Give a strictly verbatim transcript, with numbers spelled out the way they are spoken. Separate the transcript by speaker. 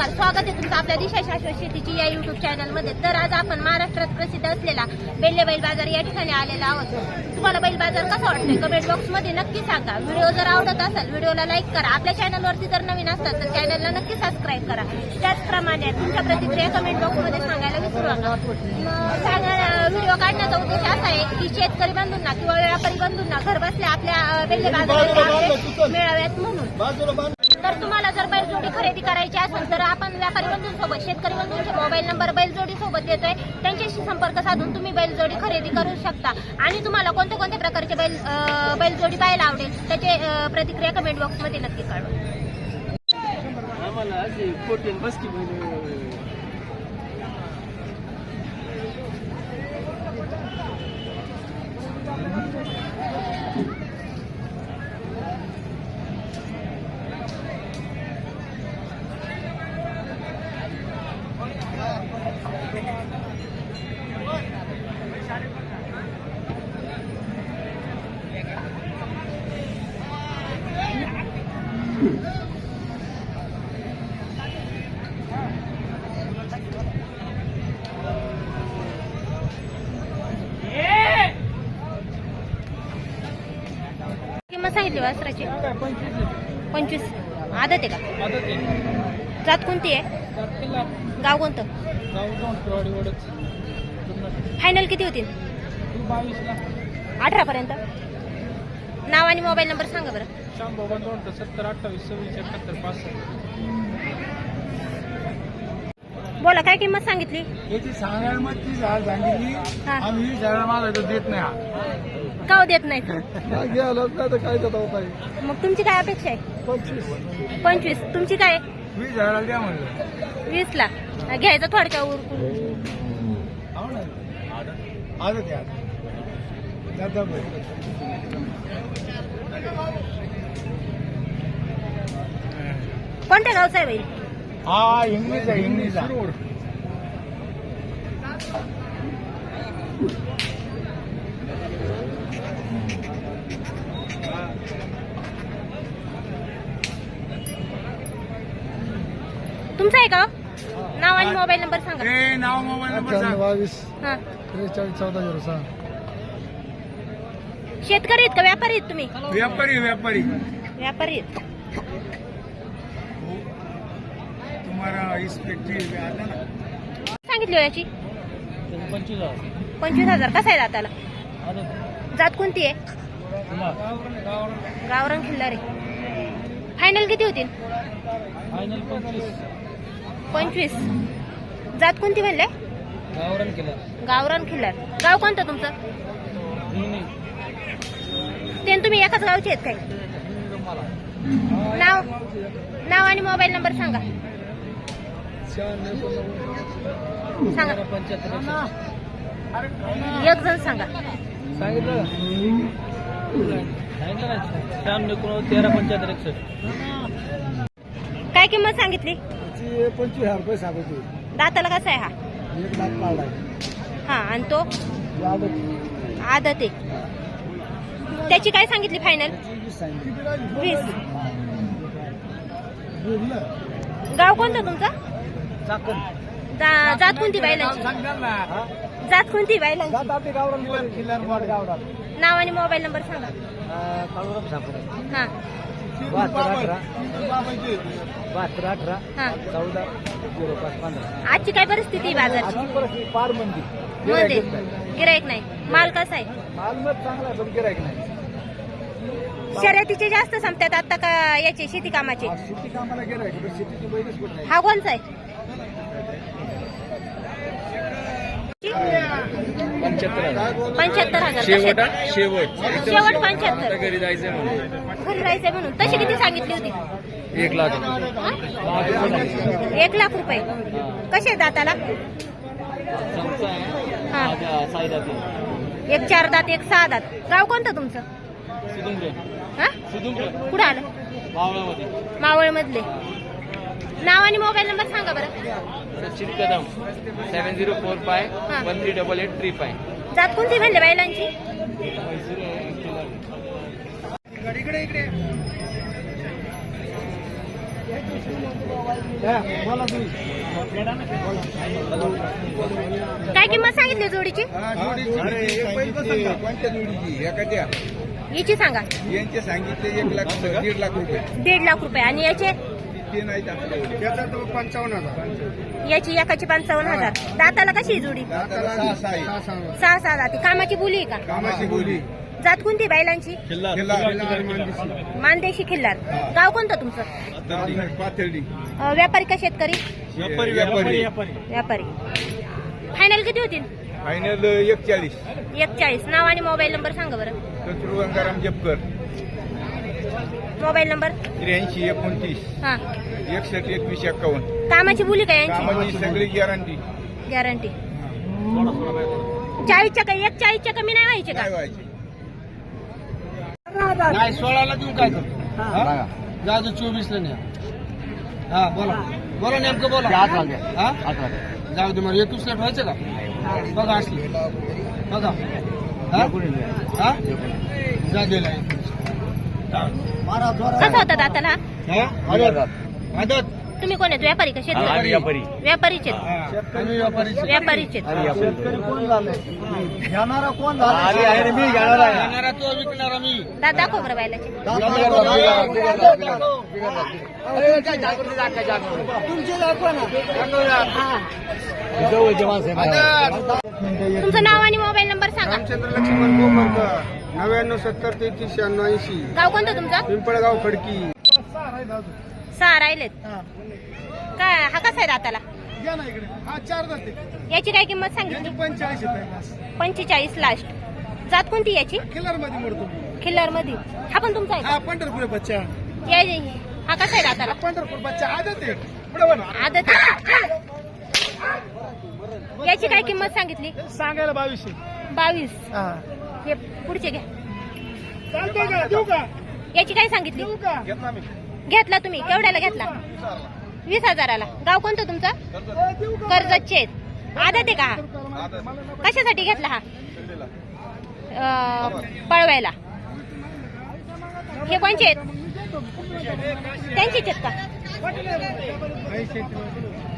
Speaker 1: नमस्कार, स्वागत आहे तुमचं आपल्या दिशा शाश्वत शेतीची या युट्यूब चॅनलमध्ये। तर आज आपण महाराष्ट्रात प्रसिद्ध असलेला बेल्ले बैल बाजार या ठिकाणी आलेला आहोत। तुम्हाला बैल बाजार कसा वाटतोय कमेंट बॉक्स मध्ये नक्की सांगा। व्हिडिओ जर आवडत असेल व्हिडिओला लाईक करा, आपल्या चॅनलवरती जर नवीन असतात तर चॅनलला नक्की सबस्क्राईब करा। त्याचप्रमाणे तुमच्या प्रतिक्रिया कमेंट बॉक्स मध्ये सांगायला विसरू नका। व्हिडिओ काढण्याचा उद्देश असा आहे की शेतकरी बंधूंना किंवा व्यापारी बंधूंना घर बसल्या आपल्या बेल्ले बाजारात मिळाव्यात म्हणून। तर तुम्हाला जर बैलजोडी खरेदी करायची असेल तर आपण व्यापारी बंधूंसोबत शेतकरी बंधूंचे मोबाईल नंबर बैलजोडी सोबत देतोय, त्यांच्याशी संपर्क साधून तुम्ही बैलजोडी खरेदी करू शकता। आणि तुम्हाला कोणत्या कोणत्या प्रकारचे बैल बैलजोडी पाहायला आवडेल त्याचे प्रतिक्रिया कमेंट बॉक्स मध्ये नक्की कळवा।
Speaker 2: आम्हाला असे फोर्टीन बसकी
Speaker 1: किंमत सांगितली वासराची पंचवीस। आदत आहे का? जात कोणती आहे? गाव कोणतं? फायनल किती होतील? अठरा पर्यंत। नाव आणि मोबाईल नंबर सांगा बरं।
Speaker 2: सत्तर अठ्ठावीस सव्वीस एकाहत्तर पासष्ट।
Speaker 1: बोला, काय किंमत सांगितली?
Speaker 2: याची सांगायला मग ती झाड सांगितली, आम्ही झाड मागायचं देत नाही।
Speaker 1: का देत नाही?
Speaker 2: काय देत होता?
Speaker 1: मग तुमची काय अपेक्षा आहे?
Speaker 2: पंचवीस
Speaker 1: पंचवीस। तुमची काय?
Speaker 2: वीस झाडाला द्या म्हणलं।
Speaker 1: वीस ला घ्यायचं थोडक्या उरकून।
Speaker 2: हो ना, आजच द्या दादा भाई।
Speaker 1: कोणत्या गावचा आहे बैल?
Speaker 2: हा इंग्लिशचा इंग्लिशचा
Speaker 1: तुमचा आहे का? नाव आणि मोबाईल नंबर सांगा।
Speaker 2: ए नाव मोबाईल नंबर सांग।
Speaker 3: बावीस
Speaker 1: हा,
Speaker 3: त्रेचाळीस चौदा झिरो सहा।
Speaker 1: शेतकरी आहेत का व्यापारी आहेत तुम्ही?
Speaker 2: व्यापारी व्यापारी
Speaker 1: व्यापारी आहेत।
Speaker 2: तुम्हाला इस पेटी आता ना
Speaker 1: सांगितली हो याची?
Speaker 2: पंचवीस
Speaker 1: पंचवीस हजार। कसा आहे दाताला? जात कोणती आहे? गावरान खिल्लारे। फायनल किती होतील?
Speaker 2: फायनल पंचवीस
Speaker 1: पंचवीस। जात कोणती म्हणले?
Speaker 2: गावरान केला।
Speaker 1: गावरान खिल्लार। गाव कोणतं तुमचं? ते तुम्ही एकाच गावचे आहेत काय? नाव नाव आणि मोबाईल नंबर सांगा सांगा। एक जण सांगा।
Speaker 2: सांगितलं सांगितलं तेरा पंच्याहत्तर एकसष्ट।
Speaker 1: काय किंमत सांगितली?
Speaker 3: पंचवीस हजार रुपये सांगतो।
Speaker 1: दाताला कसा आहे हा?
Speaker 3: एक लाख काढला।
Speaker 1: हा, आणि तो आदत आहे। त्याची काय सांगितली फायनल? वीस। गाव कोणतं तुमचं? जा- जात कोणती बैलांची? जात कोणती बैलांची? नाव आणि मोबाईल नंबर सांगा। हा
Speaker 2: बहात्तर अठरा
Speaker 1: हा।
Speaker 2: चौदा झिरो पाच पंधरा।
Speaker 1: आजची काय परिस्थिती आहे बाजारची?
Speaker 2: फार मंदी
Speaker 1: मध्ये गिराईक नाही। माल कसा आहे?
Speaker 2: माल मत चांगला पण गिराईक नाही।
Speaker 1: शर्यतीचे जास्त संपतात आता का याचे शेती कामाचे?
Speaker 2: शेती कामाला गिराईक पण शेतीची बैलच कुठं नाही।
Speaker 1: हा कोणचा आहे? पंच्याहत्तर हजार।
Speaker 2: शेवट
Speaker 1: कसे?
Speaker 2: शेवट
Speaker 1: शेवट पंच्याहत्तर।
Speaker 2: घरी जायचंय म्हणून
Speaker 1: घरी राहायचंय म्हणून। तशी किती सांगितली होती?
Speaker 2: एक लाख
Speaker 1: हा? एक लाख रुपये। कसे दाताला? हा, एक चार दात एक सहा दात। गाव कोणतं तुमचं? हा, कुठं आलं? मावळ मधले। नाव आणि मोबाईल नंबर सांगा बरं।
Speaker 2: Sachin Kadam seven zero four five one three double eight three five.
Speaker 1: जात कोणती म्हणले बैलांची?
Speaker 2: इकडे इकडे
Speaker 3: बोला तुम्ही.
Speaker 1: काय किंमत सांगितली जोडीची?
Speaker 2: कोणत्या जोडीची एखाद्या
Speaker 1: याची सांगा.
Speaker 2: यांचे सांगितले एक लाख दीड लाख रुपये
Speaker 1: दीड लाख रुपये आणि याचे
Speaker 2: ते नाही आपल्याकडे.
Speaker 3: त्याचा तो पंचावन्न हजार.
Speaker 1: याची एकाची पंचावन्न हजार. दाताला कशी आहे जोडी?
Speaker 2: दाताला सहा सहा आहे.
Speaker 3: सहा सांगा.
Speaker 1: सहा सहा जाती. कामाची बोली आहे का?
Speaker 2: कामाची बोली
Speaker 1: जात कोणती बैलांची?
Speaker 2: खिल्लार.
Speaker 1: मानदेशी खिल्लार. गाव कोणतं तुमचं?
Speaker 2: पाथर्डी.
Speaker 1: अं, व्यापारी का शेतकरी?
Speaker 2: व्यापारी व्यापारी
Speaker 1: व्यापारी. फायनल किती होतील?
Speaker 2: फायनल एकचाळीस.
Speaker 1: एकचाळीस. नाव आणि मोबाईल नंबर सांगा बरं.
Speaker 2: शत्रू गंगाराम जपकर.
Speaker 1: Mobile number?
Speaker 2: त्र्याऐंशी एकोणतीस
Speaker 1: हा.
Speaker 2: एकसष्ट एकवीस एक्कावन्न.
Speaker 1: कामाची बोली का यांची?
Speaker 2: कामाची सगळी गॅरंटी
Speaker 1: गॅरंटी. चाळीसच्या काही एक चाळीसच्या कमी नाही व्हायचे का?
Speaker 2: काय व्हायची.
Speaker 3: नाही सोळाला देऊ काय करतो जाऊ चोवीसला न्या. हा बोला बोला नेमकं बोला. हा जाऊ दे मग एकवीसला ठेवायचं का? बघा असली बघा. हा? हा? जा दिला
Speaker 1: कसं होतं दाताला?
Speaker 3: आदत.
Speaker 1: तुम्ही कोण आहेत? व्यापारी का शेतकरी? व्यापारीचे आहेत.
Speaker 3: आम्ही व्यापारी
Speaker 1: व्यापारीचे आहेत.
Speaker 3: शेतकरी कोण झालं घेणारा कोण झाला? मी घेणारा तो विकणारा मी.
Speaker 1: दात दाखव बरं बैलाचे.
Speaker 3: तुमचे दाखवा ना.
Speaker 1: तुमचं नाव आणि मोबाईल नंबर सांगा.
Speaker 3: रामचंद्र लक्ष्मण गोमरकर नव्याण्णव सत्तर तेहतीस शहाण्णव ऐंशी.
Speaker 1: गाव कोणतं तुमचं?
Speaker 3: पिंपळगाव खडकी.
Speaker 1: सहा राहिलेत. काय हा कसा आहे दाताला?
Speaker 3: घ्या ना इकडे. हा चार जाते.
Speaker 1: याची काय किंमत सांगितली?
Speaker 3: पंचेचाळीस येत
Speaker 1: पंचेचाळीस लास्ट. जात कोणती याची?
Speaker 3: किलर मध्ये मोडतो.
Speaker 1: खिल्लार मध्ये. हा पण तुमचा आहे
Speaker 3: हा पंढरपूर बच्चा.
Speaker 1: का? या- हा कसा आहे दाताला?
Speaker 3: पंढरपूर बच्चा आदत आहे. बरोबर
Speaker 1: आदत. याची काय किंमत सांगितली?
Speaker 3: सांगायला बावीसशे.
Speaker 1: बावीस.
Speaker 3: हा
Speaker 1: हे पुढचे घ्या.
Speaker 3: चालतंय का? देऊ का?
Speaker 1: याची काय सांगितली?
Speaker 3: देऊ का?
Speaker 1: घेतला तुम्ही? केवढ्याला घेतला? वीस हजाराला. गाव कोणतं तुमचं?
Speaker 3: देऊ का?
Speaker 1: कर्जतचे आहेत. आदत आहे का हा? कशासाठी घेतला हा? अं, पळवायला. हे कोणचे आहेत? त्यांचीच आहेत का?